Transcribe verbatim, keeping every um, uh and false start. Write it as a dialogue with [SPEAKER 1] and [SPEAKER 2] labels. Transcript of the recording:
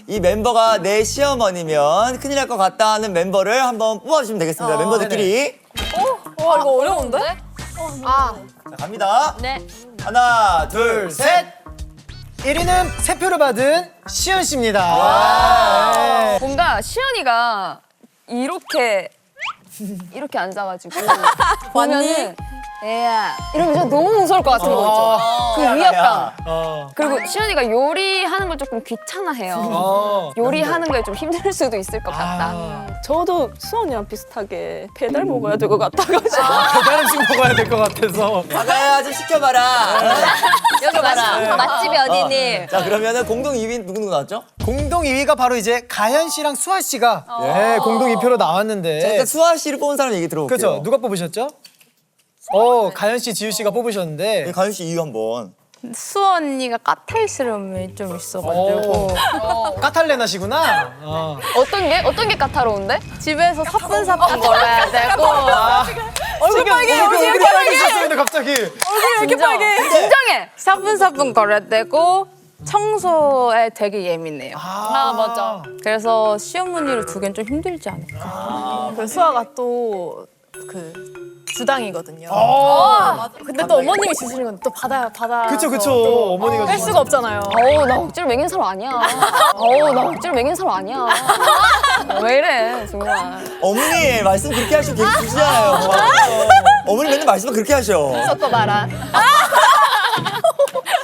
[SPEAKER 1] 이 멤버가 내 시어머니면 큰일 날 것 같다 하는 멤버를 한번 뽑아주시면 되겠습니다.
[SPEAKER 2] 어,
[SPEAKER 1] 멤버들끼리.
[SPEAKER 2] 어? 와, 이거 어려운데?
[SPEAKER 3] 아,
[SPEAKER 1] 자, 갑니다.
[SPEAKER 3] 네.
[SPEAKER 1] 하나, 둘, 셋.
[SPEAKER 4] 일 위는 세 표를 받은 시연 씨입니다. 네.
[SPEAKER 5] 뭔가 시연이가 이렇게 이렇게 앉아가지고 보면은 애야 이러면 너무 무서울 것 같은 거 있죠. 그 위압감.
[SPEAKER 4] 어.
[SPEAKER 5] 그리고 시연이가 요리하는 걸 조금 귀찮아해요.
[SPEAKER 4] 어.
[SPEAKER 5] 요리하는 게 좀 힘들 수도 있을 것 같다.
[SPEAKER 4] 아.
[SPEAKER 2] 저도 수원이랑 비슷하게 배달 먹어야 될 것 같아가지고.
[SPEAKER 4] 배달 음식 먹어야 될 것 같아서.
[SPEAKER 1] 자가야 좀 시켜봐라.
[SPEAKER 3] 여기 맛집, 맛집이 어디니?
[SPEAKER 1] 어. 자, 그러면은 공동 이 위 누구 누구 나왔죠?
[SPEAKER 4] 공동 이 위가 바로 이제 가현 씨랑 수아 씨가 네, 공동 이 표로 나왔는데.
[SPEAKER 1] 자, 일단 수아 씨를 뽑은 사람 얘기 들어볼게요.
[SPEAKER 4] 그렇죠. 누가 뽑으셨죠? 어, 가현 씨, 지우 씨가 뽑으셨는데.
[SPEAKER 1] 네, 가윤 씨 이유 한번.
[SPEAKER 6] 수원 언니가 까탈스러움이 좀 있어가지고
[SPEAKER 4] 오. 까탈레나시구나. 어.
[SPEAKER 5] 어떤 게 어떤 게 까다로운데?
[SPEAKER 6] 집에서 사뿐사뿐 걸어야 되고
[SPEAKER 2] 얼굴 빨개,
[SPEAKER 4] 얼굴
[SPEAKER 2] 얼굴
[SPEAKER 4] 얼굴이 빨개지셨어요, 갑자기.
[SPEAKER 2] 왜 이렇게 빨개?
[SPEAKER 5] 진정해.
[SPEAKER 6] 사뿐사뿐 걸어야 되고 청소에 되게 예민해요.
[SPEAKER 4] 아, 맞아.
[SPEAKER 6] 그래서 시어머니를 두기엔 좀 힘들지 않을까.
[SPEAKER 2] 그 수아가 또 그 주당이거든요.
[SPEAKER 4] 어.
[SPEAKER 2] 근데 또 어머님이 주시는 건 또 받아 받아.
[SPEAKER 4] 그쵸, 그쵸. 어머니가
[SPEAKER 2] 뺄 수가 없잖아요.
[SPEAKER 5] 어우 나 억지로 먹인 사람 아니야. 어우 나 억지로 먹인 사람 아니야. 왜 이래 정말.
[SPEAKER 1] 어머니 말씀 그렇게 하시고 계속 주시잖아요. 어머니 맨날 말씀을 그렇게 하셔.
[SPEAKER 2] 섞어봐라.